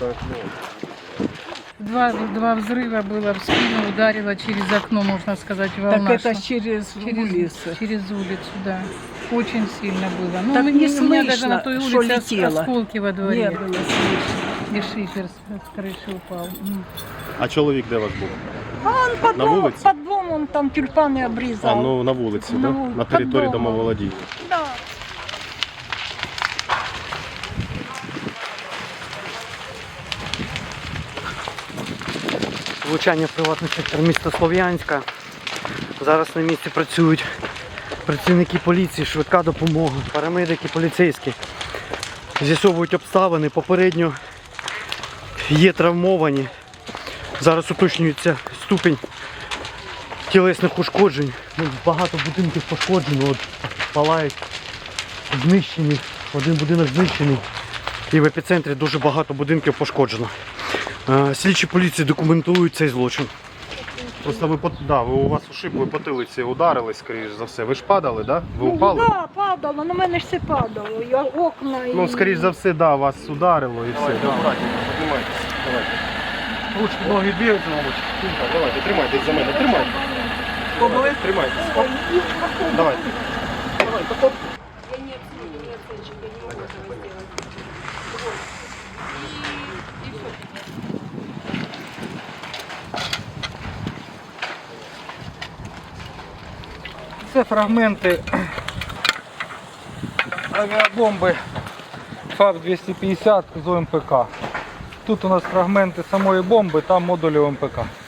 Два взрыва было, в спину ударило через окно, можно сказать, волна. Так это через улицу. Через улицу, да. Очень сильно было. Ну, Так не у меня даже на слышно, той что улице летело. осколки во Не дворе. было слышно. И шифер с крыши упал. А чоловік де у вас був? А он под На домом, вулиці? под домом там тюльпаны А, обрезал. ну на вулиці, На да? вулиці, На території під домом. домоволодіння. Да. Влучання в приватний сектор міста Слов'янська. Зараз на місці працюють працівники поліції, швидка допомога, парамедики, поліцейські. З'ясовують обставини, попередньо є травмовані. Зараз уточнюється ступінь тілесних ушкоджень. Ну, багато будинків пошкоджено, от, палають, знищені, один будинок знищений. І в епіцентрі дуже багато будинків пошкоджено. Слідчі поліції документують цей злочин. Просто ви у вас ушиб, ви потилиці ударились, скоріш за все. Ви ж падали, да? Ви упали? Ну, да, падало, на мене ж все падало. Я окна і... Ну, скоріш за все, да, вас ударило і все. Аккуратненько, піднімайтесь. Давайте. Ручки, ноги двигаються, мабуть. Давайте, тримайтесь за мене, тримайте. Тримайтесь. Оп. Давайте. Це фрагменти авіабомби ФАБ-250 з ОМПК. Тут у нас фрагменти самої бомби та модулів ОМПК.